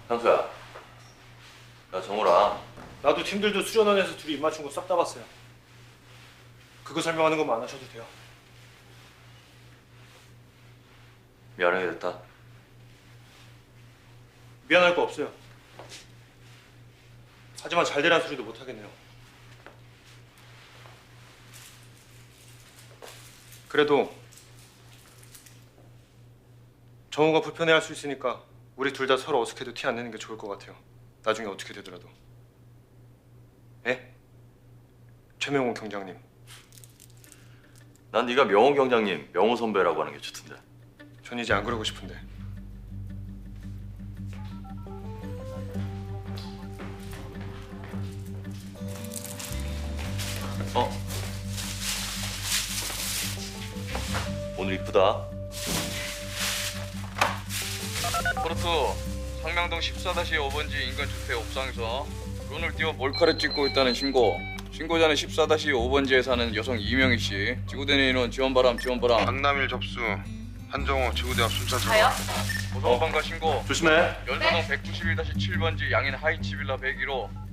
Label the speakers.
Speaker 1: 형수야, 야 정우라.
Speaker 2: 나도 팀들도 수련원에서 둘이 입 맞춘 거 싹 다 봤어요. 그거 설명하는 것만 안 하셔도 돼요.
Speaker 1: 미안하게 됐다.
Speaker 2: 미안할 거 없어요. 하지만 잘 되란 소리도 못 하겠네요. 그래도 정우가 불편해할 수 있으니까 우리 둘 다 서로 어색해도 티 안 내는 게 좋을 것 같아요. 나중에 어떻게 되더라도. 예? 최명호 경장님.
Speaker 1: 난 네가 명호 경장님, 명호 선배라고 하는 게 좋던데.
Speaker 2: 전 이제 안 그러고 싶은데.
Speaker 1: 오늘 이쁘다.
Speaker 3: 포르투 상명동 14-5번지 인근주택 옥상에서 론을 띄워 몰카를 찍고 있다는 신고. 신고자는 14-5번지에 사는 여성 이명희 씨. 지구대내 인원 지원바람.
Speaker 4: 강남일 접수. 한정호 지구대 앞 순찰
Speaker 5: 가요?
Speaker 3: 고성방가 신고.
Speaker 1: 조심해.
Speaker 3: 연서동 191-7번지 양인 하이츠 빌라 101호